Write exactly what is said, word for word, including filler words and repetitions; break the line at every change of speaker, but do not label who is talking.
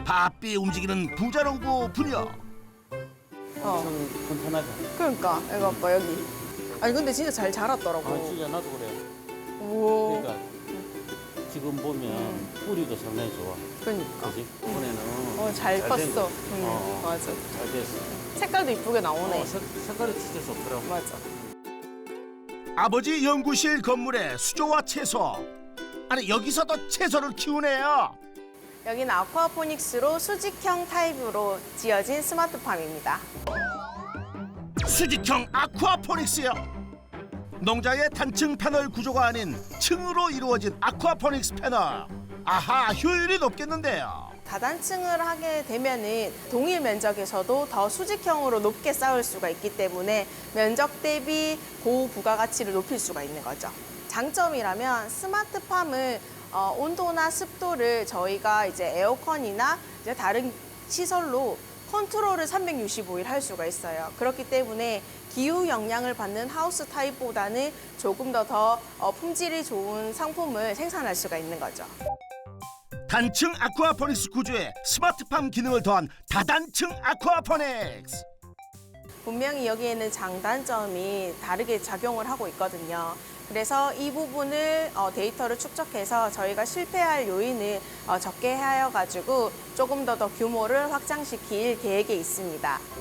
바삐 움직이는 부자농부 분야.
어,
엄청 건탄하죠.
그러니까 이거 봐 여기. 아니 근데 진짜 잘 자랐더라고.
아, 진짜 나도 그래.
오.
그러니까 지금 보면 뿌리도 상당히 좋아.
그러니까.
그지? 이번에는
어, 잘
된
컸어.
거.
응,
어,
맞아.
잘 됐어.
색깔도 이쁘게 나오네.
어, 색, 색깔이 진짜 좋더라고.
맞아.
아버지 연구실 건물에 수조와 채소. 아니 여기서도 채소를 키우네요.
여기는 아쿠아포닉스로 수직형 타입으로 지어진 스마트팜입니다.
수직형 아쿠아포닉스요. 농자의 단층 패널 구조가 아닌 층으로 이루어진 아쿠아포닉스 패널. 아하, 효율이 높겠는데요.
다단층을 하게 되면은 동일 면적에서도 더 수직형으로 높게 쌓을 수가 있기 때문에 면적 대비 고부가가치를 높일 수가 있는 거죠. 장점이라면 스마트팜은 어, 온도나 습도를 저희가 이제 에어컨이나 이제 다른 시설로 컨트롤을 삼백육십오 일 할 수가 있어요. 그렇기 때문에 기후 영향을 받는 하우스 타입보다는 조금 더 더 어, 품질이 좋은 상품을 생산할 수가 있는 거죠.
단층 아쿠아포닉스 구조에 스마트팜 기능을 더한 다단층 아쿠아포닉스.
분명히 여기에는 장단점이 다르게 작용을 하고 있거든요. 그래서 이 부분을 어, 데이터를 축적해서 저희가 실패할 요인을 어, 적게 하여가지고 조금 더 더 규모를 확장시킬 계획에 있습니다.